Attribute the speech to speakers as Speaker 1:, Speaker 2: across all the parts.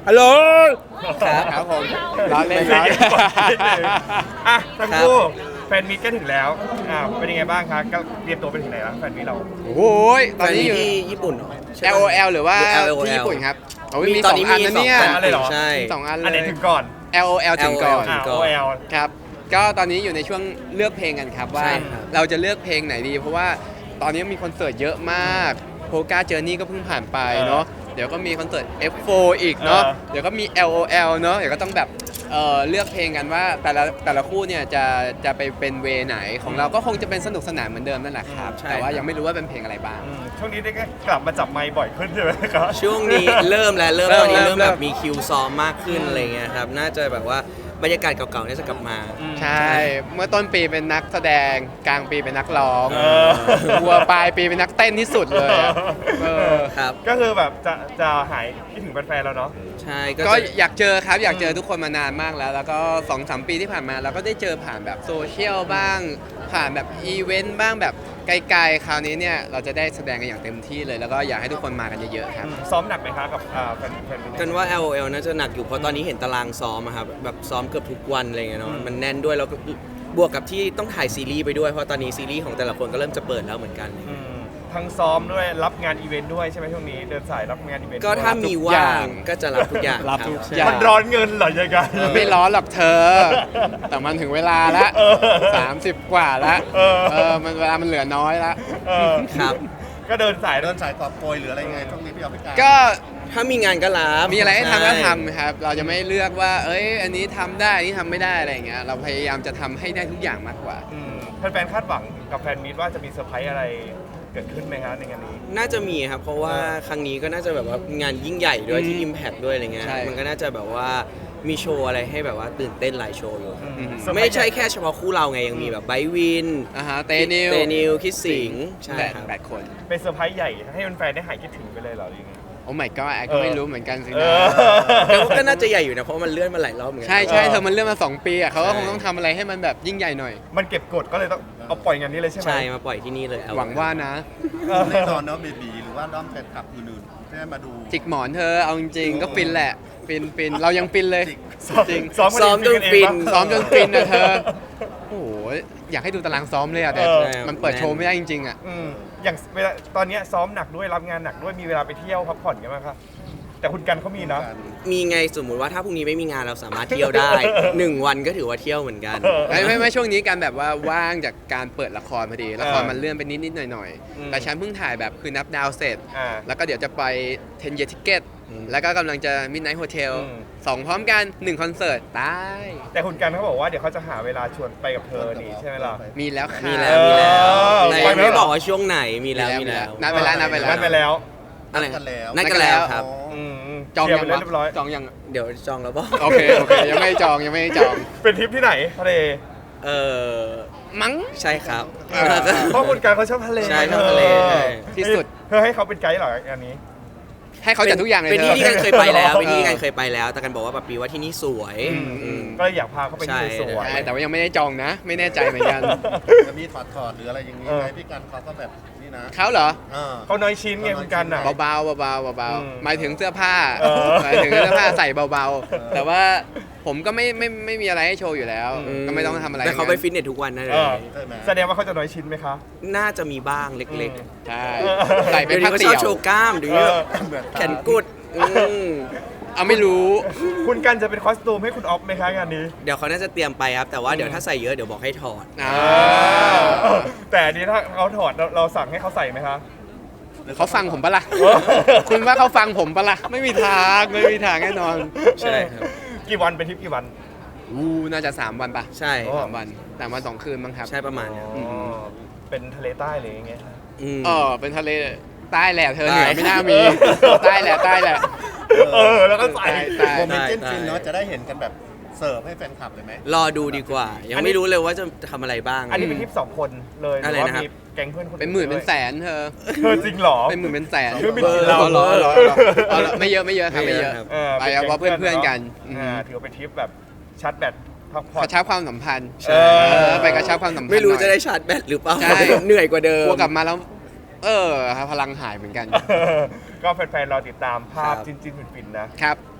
Speaker 1: ฮัลโหล
Speaker 2: ครับ
Speaker 1: ครับผมร้อนเล่น
Speaker 3: เสี
Speaker 1: ร้
Speaker 3: ย
Speaker 1: อง น
Speaker 3: เย็นกว่านิดนึงอ่ะทั้งคู่แฟนมีตก็ถึงแล้วเป็นยังไงบ้างคะก็เตรียมตัวไปถึงไหนแล้วแฟนมีตเรา
Speaker 1: โอ้โหตอนนี้อยู่
Speaker 2: ที่ญี่ปุ่นใช่ปะ
Speaker 1: LOL หรือว่า
Speaker 2: LOL
Speaker 1: ที่ญี่ปุ่นครับโอ้ยมี
Speaker 2: ต
Speaker 1: ส
Speaker 2: อน
Speaker 1: อง
Speaker 2: นี้
Speaker 1: อัน
Speaker 2: มี
Speaker 1: นะเนี่ย
Speaker 2: สองอัน
Speaker 3: เลยเหรอ
Speaker 2: ใช่
Speaker 1: สองอันเล
Speaker 3: อันไหน
Speaker 1: ย
Speaker 3: ถึงก่อน
Speaker 1: LOL ถึงก่อน
Speaker 3: OL
Speaker 1: ครับก็ตอนนี้อยู่ในช่วงเลือกเพลงกันครับว่า
Speaker 2: ใช่ครับ
Speaker 1: เราจะเลือกเพลงไหนดี เพราะว่าตอนนี้มีคอนเสิร์ตเยอะมากโพกาเจอร์นี่ก็เพิ่งผ่านไปเนาะเดี๋ยวก็มีคอนเสิร์ต F4 อีกเนาะเดี๋ยวก็มี LOL เนาะเดี๋ยวก็ต้องแบบเลือกเพลงกันว่าแต่ละคู่เนี่ยจะไปเป็นเวไหนของเราก็คงจะเป็นสนุกสนานเหมือนเดิมนั่นแหละครับ
Speaker 2: ใช่
Speaker 1: แต่ว่า
Speaker 2: ครับ
Speaker 1: ยังไม่รู้ว่าเป็นเพลงอะไรบ้าง
Speaker 3: ช่วงนี้ได้กลับมาจับไมค์บ่อยขึ้นใช่ไหมครับ
Speaker 2: ช่วงนี้เริ่มแล้ว
Speaker 1: เริ่ม
Speaker 2: ตอนนี้เริ่ม
Speaker 1: เริ่
Speaker 2: แบ
Speaker 1: ม
Speaker 2: บมีคิวซ้อมมากขึ้นอะไรเงี้ยครับน่าจะแบบว่าบรรยากาศเก่าๆน่าจะกลับมา
Speaker 1: ใช่ เมื่อต้นปีเป็นนักแสดงกลางปีเป็นนักร้อง
Speaker 3: เออ
Speaker 1: วัวปลายปีเป็นนักเต้นที่สุดเลยอะเออ
Speaker 2: ครับ
Speaker 3: ก็คือแบบจะหายคิดถึงแฟนๆแล้วเนาะ
Speaker 2: ใช่
Speaker 1: ก็
Speaker 2: จะ
Speaker 1: อยากเจอครับอยากเจอทุกคนมานานมากแล้ว แล้วก็ 2-3 ปีที่ผ่านมาเราก็ได้เจอผ่านแบบโซเชียลบ้าง ผ่านแบบอีเวนต์บ้างแบบไกลๆคราวนี้เนี่ยเราจะได้แสดงกันอย่างเต็มที่เลย แล้วก็อยากให้ทุกคนมากันเยอะๆครับ
Speaker 3: ซ้อมหนักไหมคะกับแฟนมีต
Speaker 2: กันว่า LOL น่าจะหนักอยู่เพราะตอนนี้เห็นตารางซ้อมอะครับแบบซ้อมเกือบทุกวันอะไรเงี้ยเนาะมันแน่นด้วยแล้วก็บวกกับที่ต้องถ่ายซีรีส์ไปด้วยเพราะตอนนี้ซีรีส์ของแต่ละคนก็เริ่มจะเปิดแล้วเหมือนกัน
Speaker 3: ทั้งซ้อมด้วยรับงานอีเวนต์ด้วยใช่ไหมช่วงนี้เดินสายรับงานอีเวนต์
Speaker 2: ก็ถ้ามีว่างก็จะรับทุกอย่าง
Speaker 1: รับ
Speaker 2: ค
Speaker 1: ทุก
Speaker 2: ใช่
Speaker 1: อย่าง
Speaker 3: มันร้อนเงินเหรอยังไง
Speaker 1: ไม่ร้อนหรอกเธอ แต่มันถึงเวลาละ
Speaker 3: เออ
Speaker 1: 30 กว่าละ
Speaker 3: เออ
Speaker 1: มันเวลามันเหลือน้อยละ
Speaker 3: เออ
Speaker 2: ครับ
Speaker 3: ก็เดินสาย
Speaker 4: เดินสายกอบโกยหรืออะไรยังไงช่วงนี้พี่เอาพี่การ
Speaker 1: ก็
Speaker 2: ถ้ามีงานก็รับ
Speaker 1: มีอะไรให้ทำก็
Speaker 2: ใช่
Speaker 1: ทำครับ เราจะไม่เลือกว่า เอ้ย อันนี้ทำได้ อันนี้ทำไม่ได้อะไรอย่างเงี้ย เราพยายามจะทำให้ได้ทุกอย่างมากกว่า
Speaker 3: แฟนๆคาดหวังกับแฟนมีตว่าจะมีเซอร์ไพรส์อะไรเกิดขึ้นไหมครับในงานนี้
Speaker 2: น่าจะมีครับ เพราะว่าครั้งนี้ก็น่าจะแบบว่างานยิ่งใหญ่ด้วยที่ Impact ด้วยอะไรเงี้ย
Speaker 1: ใช่
Speaker 2: มันก็น่าจะแบบว่ามีโชว์อะไรให้แบบว่าตื่นเต้นหลายโชว์อยู่ครับ
Speaker 1: อืม
Speaker 3: เซอร์พร
Speaker 2: ไม่
Speaker 3: ส์
Speaker 2: ใช่แค่เฉพาะคู่เราไงยังมีแบบไบร์ทวิน
Speaker 1: เตนิว
Speaker 2: เตนิวคิดสิงห์ใช่
Speaker 1: แปด
Speaker 2: ครับ
Speaker 1: 8 คน
Speaker 3: เป็นเซอร์ไพรส์ใหญ่ให้แฟนๆได้หายคิดถึงไปเลยเหรอหรือยังไง
Speaker 1: โอ้ my god แอก็ไม่รู้เหมือนกันสิ
Speaker 3: เอ
Speaker 1: นะ
Speaker 3: อ
Speaker 2: แต่ว่าก็น่าจะใหญ่อยู่นะเพราะมันเลื่อนมาหลายรอบเหมือนกั
Speaker 1: ใช่ใช่
Speaker 3: เออ
Speaker 1: เธอมันเรื่องมา 2 ปีอ่ะเขาก็
Speaker 2: ใช่
Speaker 1: คงต้องทำอะไรให้มันแบบยิ่งใหญ่หน่อย
Speaker 3: มันเก็บกดก็เลยต้องเอาปล่อยงานนี้เลยใช่ไหม
Speaker 2: ใช่มาปล่อยที่นี่เลย
Speaker 1: หวังว่านะ
Speaker 4: แน่นอนเนาะเบบีหรือว่าด้อมแฟนคลับอื่นๆที่ได้มาดู
Speaker 1: จิกหมอนเธอ เอาจริงๆก็ฟินแหละ ฟิน เรายังฟินเลย จริง
Speaker 3: ซ้อม
Speaker 2: ซ้อมจนฟิน
Speaker 1: ซ้อมจนฟินนะเธอ โอ้โห อยากให้ดูตารางซ้อมเลยอ่ะ แต่
Speaker 3: เออ
Speaker 1: มันเปิดโชว์ไม่ได้จริงๆอ่ะ
Speaker 3: อย่างเวลาตอนเนี้ยซ้อมหนักด้วยรับงานหนักด้วยมีเวลาไปเที่ยวพักผ่อนกันไหมครับแต่คุณกันเขามีนะ
Speaker 2: มีไงสมมุติว่าถ้าพรุ่งนี้ไม่มีงานเราสามารถเที่ยวได้ 1 วันก็ถือว่าเที่ยวเหมือนกัน
Speaker 1: ไม่ช่วงนี้การแบบว่าว่างจากการเปิดละครพอดี ละคร
Speaker 3: เออ
Speaker 1: มันเลื่อนไปนิดๆหน่อย
Speaker 3: อืม
Speaker 1: ๆ แต่ฉันเพิ่งถ่ายแบบคือนับดาวเสร็จ
Speaker 3: อ่า
Speaker 1: แล้วก็เดี๋ยวจะไป 10 year ticket แล้วก็กำลังจะ midnight hotel
Speaker 3: อืม
Speaker 1: 2 พร้อมกัน 1 คอนเสิร์ตตาย
Speaker 3: แต่คุณกันเขาบอกว่าเดี๋ยวเขาจะหาเวลาชวนไปกับเธอนี่ใช่ไหมล่ะ
Speaker 1: มีแล้วค่ะ
Speaker 2: มีแล้วมีแล้ว
Speaker 3: เออ
Speaker 2: แต่
Speaker 3: ไป
Speaker 2: ยัง
Speaker 3: ไหม
Speaker 2: ไม่บอกว่าช่วงไหนมีแล้วมีแล้ว
Speaker 1: นัดไปแล้ว
Speaker 3: นัดไปแล้ว
Speaker 2: อะไร
Speaker 4: นัดกันแล้ว
Speaker 2: นัดกันแล้วครับ
Speaker 1: จอง
Speaker 3: เคลีย
Speaker 1: ยั
Speaker 3: ร์
Speaker 1: ง
Speaker 3: ไป
Speaker 1: วะ
Speaker 3: เรียบร้อย
Speaker 1: จองยัง
Speaker 2: เดี๋ยวจองแล้วบอก
Speaker 1: โอเคยังไม่ได้จองยังไม่ได้จอง
Speaker 3: เป็นทริปที่ไหนทะเล
Speaker 2: เออ
Speaker 1: มั้ง
Speaker 2: ใช่ครับ
Speaker 3: เพราะคุณกันเขาชอบทะเล
Speaker 2: ใช่ชอบทะเลใช่
Speaker 1: ที่สุด
Speaker 3: เธอให้เขาเป็นไกด์เหรออันนี้
Speaker 1: ให้เขาจัดทุกอย่างเลย
Speaker 2: เป็น
Speaker 1: เธ
Speaker 2: ที่
Speaker 1: อ
Speaker 2: ที่กันเคยไปแล้วเป็นที่ที่กันเคยไปแล้ว แต่กันบอกว่าแบบปีว่าที่นี่สวย
Speaker 3: ก็เลยอยากพาเขาไปที่สวย
Speaker 1: ใช่แต่ว่ายังไม่ได้จองนะ ไม่แน่ใจเหมือนกัน
Speaker 4: จะมีถอดหรืออะไรอย่างนี้ไหมพี่การเขาก็แบบนี่นะ
Speaker 1: เขาเหรอ
Speaker 3: เขาน้อยชิ้นไงคุณกันอ่ะ
Speaker 1: เบาๆเบาๆเบา
Speaker 3: อืม
Speaker 1: ๆหมายถึงเสื้อผ้า
Speaker 3: เออ
Speaker 1: หมายถึงเสื้อผ้าใส่เบาๆ แต่ว่าผมก็ไม่มีอะไรให้โชว์อยู่แล้ว ก็ไม่ต้องทำอะไร
Speaker 2: แต่เขาไปฟิตเนสทุกวันนะเล
Speaker 3: เอย อแสดงว่าเขาจะน้อยชิ้นไหมคะ
Speaker 2: น่าจะมีบ้างเล็ก
Speaker 1: ใช่
Speaker 3: เออ
Speaker 1: ใส่
Speaker 2: ๆ
Speaker 1: เป็น
Speaker 2: เดี๋ยว
Speaker 1: ผ้า
Speaker 2: นี้เขาช
Speaker 1: เตี่
Speaker 2: อบ
Speaker 1: ยว
Speaker 2: โชว์กล้ามเดี๋ยวนี้แบบ
Speaker 4: เหมือน
Speaker 2: แขนกุด
Speaker 1: เอาไม่รู้
Speaker 3: คุณกันจะเป็นคอสตูมให้คุณออฟไหมคะงานนี้
Speaker 2: เดี๋ยวเขาน่าจะเตรียมไปครับ แต่ว่าเดี๋ยวถ้าใส่เยอะเดี๋ยวบอกให้ถอด
Speaker 1: อ่า
Speaker 3: แต่อันนี้ถ้าเขาถอดเราสั่งให้เขาใส่ไหมคะ
Speaker 1: เขาฟังผมปะล่ะ
Speaker 3: เออ
Speaker 1: คุณว่าเขาฟังผมปะล่ะ ไม่มีทางแน่นอน
Speaker 2: ใช่ครับ
Speaker 3: กี่วันเป็นทริปกี่วัน
Speaker 1: น่าจะ3 วันปะ
Speaker 2: ใช่
Speaker 3: โอ้
Speaker 1: 3 วัน3 วัน 2 คืนมั้งครับ
Speaker 2: ใช่ประมาณเนี้ย
Speaker 3: เป็นทะเลใต้เลยอย่างเงี้ย
Speaker 2: ม
Speaker 1: เป็นทะเลใต้แหละเธอเห
Speaker 2: ใต้
Speaker 1: นือไม่น่ามี ใต้แหละ
Speaker 3: แล้วก็ใส่
Speaker 1: ใต้
Speaker 4: โมเมนต์ฟินๆเนาะจะได้เห็นกันแบบเสิร์ฟให้แฟนคลับเลยไหม
Speaker 2: รอดูดีกว่า ยังไม่รู้เลยว่าจะทำอะไรบ้าง
Speaker 3: อันนี้เป็นทริป2 คนเลยห
Speaker 2: อะไร
Speaker 3: รือว่า
Speaker 2: นะครับ
Speaker 3: มีแก๊งเพื่อนคน
Speaker 1: เป็นหมื่นเป็นแสนเธอ
Speaker 3: เธอจริงเหรอ
Speaker 1: เป็นหมื่นเป็นแสน
Speaker 3: เรื่องไม่กินเหล้า
Speaker 1: เหรอไม่เยอะครับไม่เยอะ ไปเอาเพราะเพื่อนๆกัน
Speaker 3: ถือว่าเป็นทริปแบบชาร์จแบตพักผ่
Speaker 1: ก
Speaker 3: อน
Speaker 1: ระชับความสัมพันธ์
Speaker 3: เออ
Speaker 1: ไปกระชับความสัมพันธ์
Speaker 2: ไม่รู้
Speaker 1: หน่อย
Speaker 2: จะได้ชาร์จแบตหรือเปล่า
Speaker 1: ใช่
Speaker 2: เหนื่อยกว่าเดิม
Speaker 1: กลัวกลับมาแล้ว พลังหายเหมือนกัน
Speaker 3: ก็แฟนๆรอติดตามภาพ
Speaker 2: ครับ
Speaker 3: จิ้นๆฟินๆนะ
Speaker 1: ครับ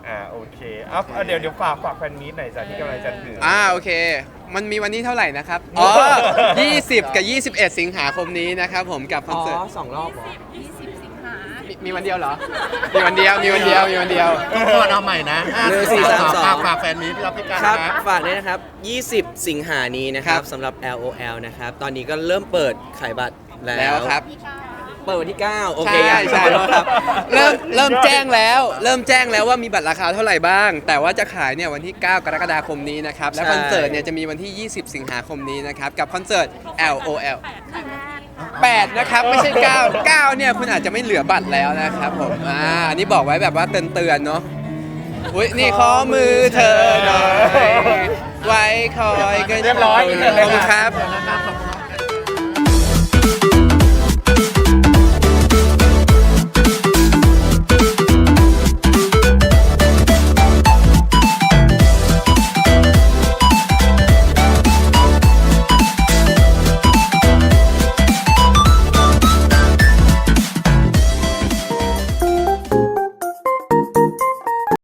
Speaker 3: โอเคเดี๋ยวฝากแฟนมีตหน่อยจ้ะที่กำลังจะถึง
Speaker 1: โอเค มันมีวันนี้เท่าไหร่นะครับ อ๋อ 20 กับ 21 สิงหาคมนี้นะครับผมกับคอน
Speaker 2: อ๋อ
Speaker 1: เสิร์ต
Speaker 2: 2 รอบเหรอ
Speaker 5: 20 สิงหา
Speaker 1: มีวันเดียวเหรอ มีวันเดียว มีวันเดียว มีวันเดียว
Speaker 4: ทุกคนเอาใหม่นะ
Speaker 2: 1 4 3 2
Speaker 4: ฝากแฟนมีตที่รับพิการ
Speaker 2: ครับ
Speaker 4: นะ
Speaker 2: ฝากด้วยนะครับ 20 สิงหานี้นะครับ
Speaker 1: ครับ
Speaker 2: สำหรับ LOL นะครับ ตอนนี้ก็เริ่มเปิดขายบัตรแล้ว
Speaker 1: แล้วครับ
Speaker 2: เปิดวันที่ 9 โอเค
Speaker 1: ใช่ใช่แล้วครับ เริ่มแจ้งแล้ว เริ่มแจ้งแล้วว่ามีบัตรราคาเท่าไหร่บ้าง แต่ว่าจะขายเนี่ยวันที่ 9 กรกฎาคมนี้นะครับ และ
Speaker 2: ใช่
Speaker 1: คอนเสิร์ตเนี่ยจะมีวันที่ 20 สิงหาคมนี้นะครับ กับคอนเสิร์ต LOL 8 นะครับ ไม่ใช่ 9 9 เนี่ยคุณอาจจะไม่เหลือบัตรแล้วนะครับผม อันนี้บอกไว้แบบว่าเตือนๆเนาะ อุ้ยนี่ขอมือเธอหน่อย ไว้คอยก็
Speaker 3: เรียบร้อย
Speaker 1: ขอบคุณครับ
Speaker 4: ขอบคุณ